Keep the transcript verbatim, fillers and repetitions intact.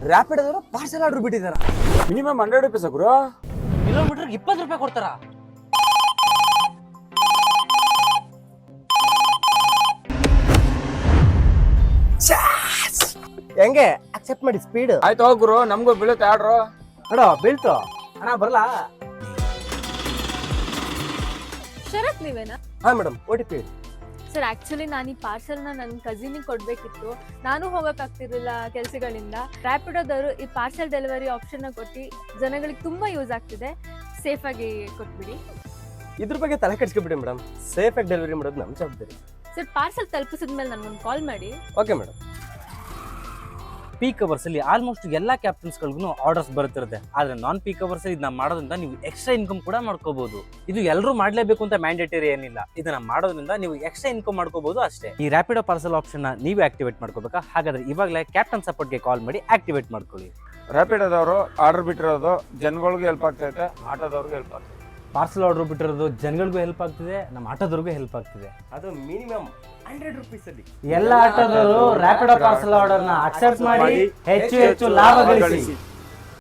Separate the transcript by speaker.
Speaker 1: ರ್ಯಾಪಿಡೋದವರು parcel order ಬಿಟ್ಟಿದಾರ.
Speaker 2: Minimum hundred rupees ಗುರು.
Speaker 1: Kilometre ಇಪ್ಪತ್ತು ರೂಪಾಯಿ ಕೊಡ್ತಾರ. ಹೆಂಗೆ ಅಕ್ಸೆಪ್ಟ್ ಮಾಡಿ ಸ್ಪೀಡ್
Speaker 2: ಆಯ್ತು ಹೋಗ್ ಗುರು, ನಮ್ಗೂ ಬೀಳುತ್ತೆ ಆರ್ಡ್ರು.
Speaker 1: ಅಣ್ಣ ಬೀಳ್ತು ಅಣ್ಣ ಬರಲ್ಲ.
Speaker 3: ಶರತ್ ನೀವೇನಾ?
Speaker 1: ಹಾ madam, O T P.
Speaker 3: Sir actually ನಾನು ಈ ಪಾರ್ಸಲ್ನ ನನ್ನ ಕಸಿನಿಗೆ ಕೊಡಬೇಕಿತ್ತು. ನಾನು ಹೋಗೋಕ್ಕಾಗ್ತಿರ್ಲಿಲ್ಲ ಕೆಲಸಗಳಿಂದ. ರ್ಯಾಪಿಡೋದವರು ಈ ಪಾರ್ಸಲ್ ಡೆಲಿವರಿ ಆಪ್ಷನ್ನ ಕೊಟ್ಟು ಜನಗಳಿಗೆ ತುಂಬ ಯೂಸ್ ಆಗ್ತಿದೆ. ಸೇಫಾಗಿ ಕೊಟ್ಬಿಡಿ.
Speaker 1: ಇದ್ರ ಬಗ್ಗೆ ತಲೆ ಕೆಡಿಸ್ಕೊಬಿಡಿ ಮೇಡಮ್. ಸೇಫ್ ಆಗಿ ಡೆಲಿವರಿ ಮಾಡೋದು ನಮ್ಮ ಜವಾಬ್ದಾರಿ.
Speaker 3: ಸರ್ ಪಾರ್ಸಲ್ ತಲುಪಿಸಿದ್ಮೇಲೆ ನನಗೊಂದು ಕಾಲ್ ಮಾಡಿ.
Speaker 1: Okay madam.
Speaker 4: ಪೀಕ್ ಅವರ್ಸ್ ಅಲ್ಲಿ ಆಲ್ಮೋಸ್ಟ್ ಎಲ್ಲಾ ಕ್ಯಾಪ್ಟನ್ಸ್ಗಳಿಗೂ ಆರ್ಡರ್ಸ್ ಬರುತ್ತಿರುತ್ತೆ. ಆದ್ರೆ ನಾನ್ ಪೀಕ್ ಅವರ್ಸ್ ಇದನ್ನ ಮಾಡೋದ್ರಿಂದ ನೀವು ಎಕ್ಸ್ಟ್ರಾ ಇನ್ಕಮ್ ಕೂಡ ಮಾಡ್ಕೋಬಹುದು. ಇದು ಎಲ್ಲರೂ ಮಾಡ್ಲೇಬೇಕು ಅಂತ ಮ್ಯಾಂಡೇಟರಿ ಏನಿಲ್ಲ. ಇದನ್ನ ಮಾಡೋದ್ರಿಂದ ನೀವು ಎಕ್ಸ್ಟ್ರಾ ಇನ್ಕಮ್ ಮಾಡ್ಕೋಬಹುದು ಅಷ್ಟೇ. ಈ ರ್ಯಾಪಿಡೋ ಪಾರ್ಸಲ್ ಆಪ್ಷನ್ ನ ನೀವೇ ಆಕ್ಟಿವೇಟ್ ಮಾಡ್ಕೋಬೇಕಾ? ಹಾಗಾದ್ರೆ ಇವಾಗಲೇ ಕ್ಯಾಪ್ಟನ್ ಸಪೋರ್ಟ್ಗೆ ಕಾಲ್ ಮಾಡಿ ಆಕ್ಟಿವೇಟ್ ಮಾಡ್ಕೊಳ್ಳಿ.
Speaker 2: ರ್ಯಾಪಿಡೋದವರು ಆರ್ಡರ್ ಬಿಟ್ಟಿರೋದು ಜನಗಳಿಗೂ ಹೆಲ್ಪ್ ಆಗ್ತೈತೆ, ಆಟೋದವ್ರಿಗೂ ಹೆಲ್ಪ್ ಆಗ್ತೈತೆ.
Speaker 4: ಪಾರ್ಸಲ್ ಆರ್ಡರ್ ಬಿಟ್ಟಿರೋದು ಜನಗಳಿಗೂ ಹೆಲ್ಪ್ ಆಗ್ತಿದೆ, ನಮ್ಮ ಆಟೋದವ್ರಿಗೂ ಹೆಲ್ಪ್ ಆಗ್ತಿದೆ.
Speaker 1: ಅದು ಮಿನಿಮಮ್ ಹಂಡ್ರೆಡ್ ರುಪೀಸ್ ಅಲ್ಲಿ
Speaker 4: ಎಲ್ಲ ಆಟೋದವರು ರ್ಯಾಪಿಡೋ ಪಾರ್ಸಲ್ ಆರ್ಡರ್ ನ ಅಕ್ಸೆಪ್ಟ್ ಮಾಡಿ ಹೆಚ್ಚು ಹೆಚ್ಚು ಲಾಭ ಗಳಿಸಿ.